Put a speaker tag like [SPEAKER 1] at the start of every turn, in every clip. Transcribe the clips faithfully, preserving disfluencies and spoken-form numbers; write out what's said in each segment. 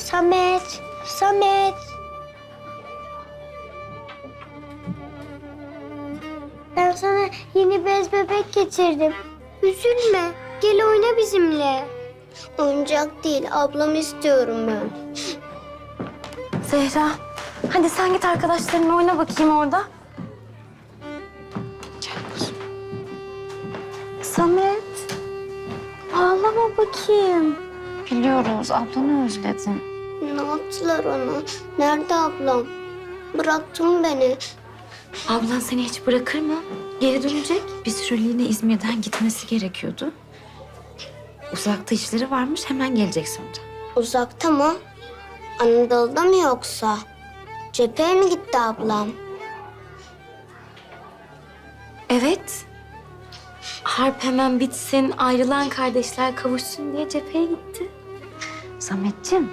[SPEAKER 1] Samet, Samet. Ben sana yeni bez bebek getirdim. Üzülme, gel oyna bizimle. Oyuncak değil, ablam istiyorum ben.
[SPEAKER 2] Zehra, hadi sen git arkadaşlarınla oyna bakayım orada. Gel kuzum. Samet, ağlama bakayım. Biliyoruz, ablanı özledin.
[SPEAKER 1] Ne yaptılar ona? Nerede ablam? Bıraktın beni.
[SPEAKER 2] Ablan seni hiç bırakır mı? Geri dönecek. Bir süreliğine İzmir'den gitmesi gerekiyordu. Uzakta işleri varmış, hemen gelecek sonra.
[SPEAKER 1] Uzakta mı? Anadolu'da mı yoksa? Cepheye mi gitti ablam?
[SPEAKER 2] Evet. Harp hemen bitsin, ayrılan kardeşler kavuşsun diye cepheye gitti. Sametciğim.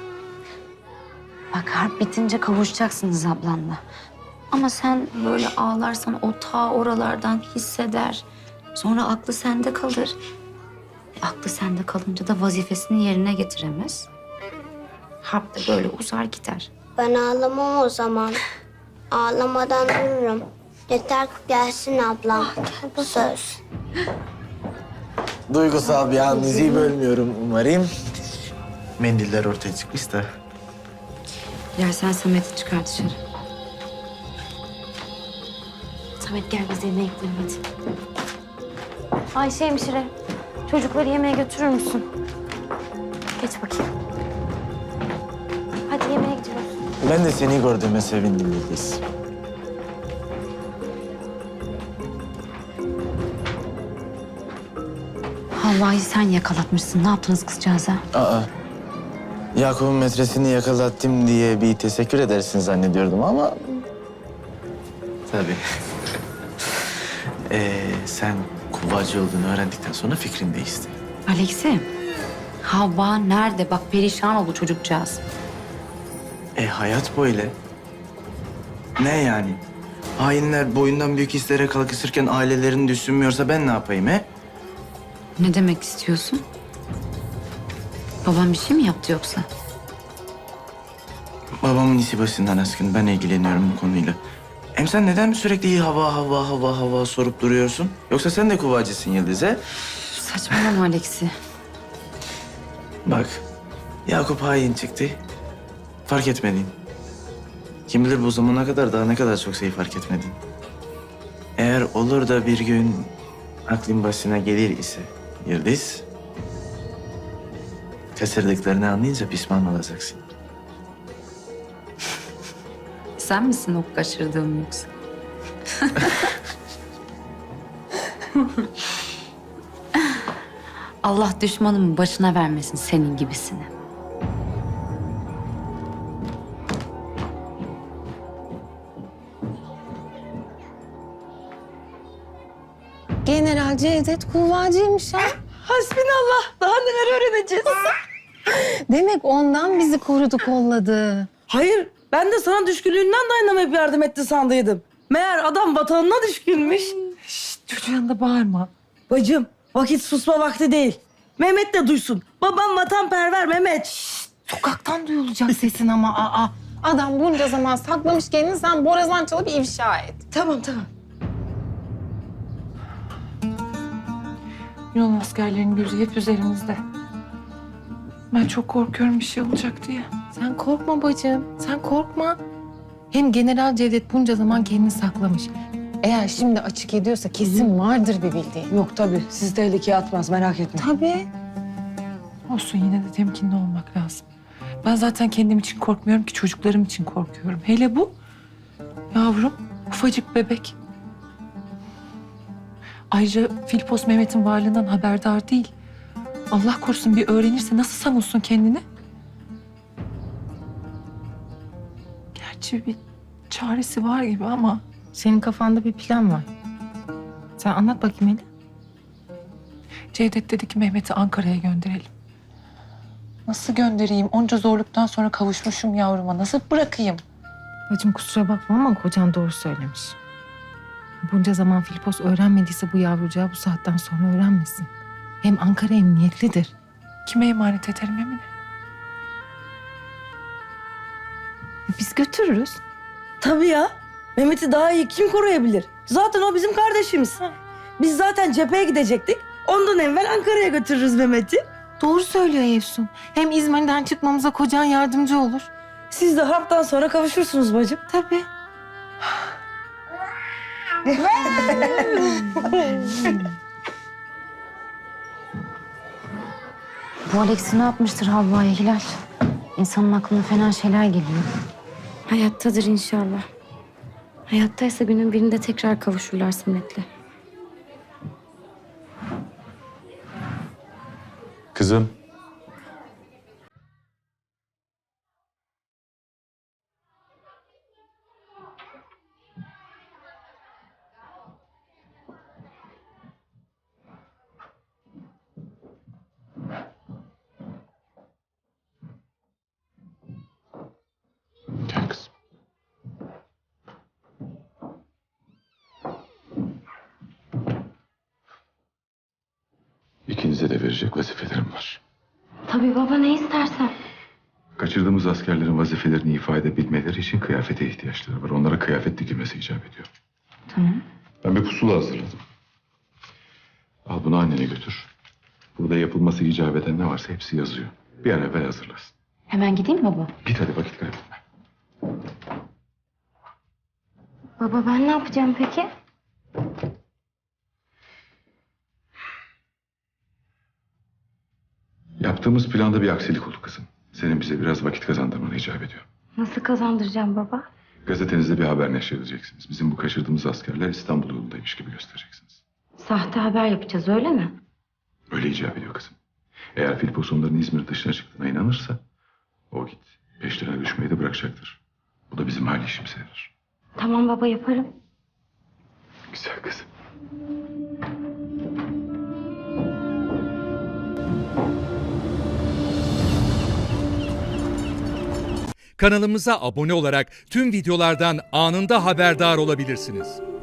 [SPEAKER 2] Bak harp bitince kavuşacaksınız ablanla. Ama sen böyle ağlarsan o ta oralardan hisseder. Sonra aklı sende kalır. E, aklı sende kalınca da vazifesini yerine getiremez. Harp de böyle uzar gider.
[SPEAKER 1] Ben ağlamam o zaman. Ağlamadan dururum. Yeter ki gelsin ablam. Söz.
[SPEAKER 3] Duygusal bir an diziyi bölmüyorum umarım. Mendiller ortaya çıkmış da.
[SPEAKER 2] Dilersen Samet'i çıkar dışarı. Samet gel biz yemeğe gidelim hadi. Ayşe hemşire, çocukları yemeğe götürür müsün? Geç bakayım. Hadi yemeğe gidiyoruz.
[SPEAKER 3] Ben de seni gördüğüme sevindim Yıldız.
[SPEAKER 2] Havva'yı sen yakalatmışsın. Ne yaptınız kızcağıza?
[SPEAKER 3] Aa, Yakup'un metresini yakalattım diye bir teşekkür edersin zannediyordum ama... Tabii. ee, sen kuvvacı olduğunu öğrendikten sonra fikrin değişti.
[SPEAKER 2] Alex'i, Havva nerede? Bak perişan oldu çocukcağız.
[SPEAKER 3] E hayat böyle. Ne yani? Hainler boyundan büyük hislere kalkışırken ailelerini düşünmüyorsa ben ne yapayım he?
[SPEAKER 2] Ne demek istiyorsun? Babam bir şey mi yaptı yoksa?
[SPEAKER 3] Babamın işi başından aşkın. Ben ilgileniyorum bu konuyla. Hem sen neden sürekli iyi hava, hava, hava, hava sorup duruyorsun? Yoksa sen de kuvvacısın Yıldız he?
[SPEAKER 2] Saçmalama Alex'i.
[SPEAKER 3] Bak, Yakup hain çıktı. Fark etmedin. Kim bilir bu zamana kadar daha ne kadar çok şey fark etmedin. Eğer olur da bir gün aklın başına gelir ise Yıldız... kaçırdıklarını anlayınca pişman olacaksın.
[SPEAKER 2] Sen misin o kaçırdığım yoksa? Allah düşmanımın başına vermesin senin gibisini.
[SPEAKER 4] General Cevdet kuvvacıymış ha.
[SPEAKER 5] Hasbinallah. Daha neler öğreneceğiz?
[SPEAKER 4] Demek ondan bizi korudu, kolladı.
[SPEAKER 5] Hayır. Ben de sana düşkünlüğünden dayanamayıp yardım etti sandıydım. Meğer adam vatanına düşkünmüş.
[SPEAKER 4] Çocuğun yanında bağırma.
[SPEAKER 5] Bacım, vakit susma vakti değil. Mehmet de duysun. Babam vatanperver Mehmet. Şşt.
[SPEAKER 4] Sokaktan duyulacak sesin ama aa. Adam bunca zaman saklamış kendini, sen borazan çalıp ifşa et.
[SPEAKER 5] Tamam, tamam.
[SPEAKER 6] Yunan askerlerinin gözü hep üzerimizde. Ben çok korkuyorum bir şey olacak diye.
[SPEAKER 4] Sen korkma bacım, sen korkma. Hem General Cevdet bunca zaman kendini saklamış. Eğer şimdi açık ediyorsa kesin vardır bir bildiği.
[SPEAKER 5] Yok tabii. Sizi tehlikeye atmaz, merak etme.
[SPEAKER 4] Tabii.
[SPEAKER 6] Olsun yine de temkinli olmak lazım. Ben zaten kendim için korkmuyorum ki çocuklarım için korkuyorum. Hele bu yavrum, ufacık bebek. Ayrıca Filipos Mehmet'in varlığından haberdar değil. Allah korusun bir öğrenirse nasıl savunsun kendini? Gerçi bir çaresi var gibi ama...
[SPEAKER 4] Senin kafanda bir plan var. Sen anlat bakayım hele.
[SPEAKER 6] Cevdet dedi ki Mehmet'i Ankara'ya gönderelim. Nasıl göndereyim? Onca zorluktan sonra kavuşmuşum yavruma. Nasıl bırakayım?
[SPEAKER 4] Bacım kusura bakma ama kocan doğru söylemiş. Bunca zaman Filipos öğrenmediyse bu yavrucağı bu saatten sonra öğrenmesin. Hem Ankara emniyetlidir.
[SPEAKER 6] Kime emanet ederim Emine?
[SPEAKER 4] Biz götürürüz.
[SPEAKER 5] Tabii ya. Mehmet'i daha iyi kim koruyabilir? Zaten o bizim kardeşimiz. Biz zaten cepheye gidecektik. Ondan evvel Ankara'ya götürürüz Mehmet'i.
[SPEAKER 4] Doğru söylüyor Efsun. Hem İzmir'den çıkmamıza kocan yardımcı olur.
[SPEAKER 5] Siz de harptan sonra kavuşursunuz bacım.
[SPEAKER 4] Tabii.
[SPEAKER 2] Bu Alex'i ne yapmıştır Havva'ya Hilal? İnsanın aklına fena şeyler geliyor. Hayattadır inşallah. Hayattaysa günün birinde tekrar kavuşurlar Samet'le.
[SPEAKER 7] Kızım. Gel kızım. İkinize de verecek vazifelerim var.
[SPEAKER 2] Tabii baba, ne istersen.
[SPEAKER 7] Kaçırdığımız askerlerin vazifelerini ifade edebilmeleri için kıyafete ihtiyaçları var. Onlara kıyafet dikilmesi icap ediyor.
[SPEAKER 2] Tamam.
[SPEAKER 7] Ben bir pusula hazırladım. Al bunu annene götür. Burada yapılması icap eden ne varsa hepsi yazıyor. Bir an evvel hazırlasın.
[SPEAKER 2] Hemen gideyim baba.
[SPEAKER 7] Git hadi, vakit kaybetme.
[SPEAKER 2] Baba, ben ne yapacağım peki?
[SPEAKER 7] Yaptığımız planda bir aksilik oldu kızım. Senin bize biraz vakit kazandırmanı icap ediyor.
[SPEAKER 2] Nasıl kazandıracağım baba?
[SPEAKER 7] Gazetenizde bir haber neşredeceksiniz. Bizim bu kaçırdığımız askerler İstanbul yolundaymış gibi göstereceksiniz.
[SPEAKER 2] Sahte haber yapacağız, öyle mi?
[SPEAKER 7] Öyle icap ediyor kızım. Eğer Filipos onların İzmir dışına çıktığına inanırsa o git peşlerine düşmeyi de bırakacaktır. Bu da bizim hali işimize yarar.
[SPEAKER 2] Tamam baba, yaparım.
[SPEAKER 7] Güzel kızım.
[SPEAKER 8] Kanalımıza abone olarak tüm videolardan anında haberdar olabilirsiniz.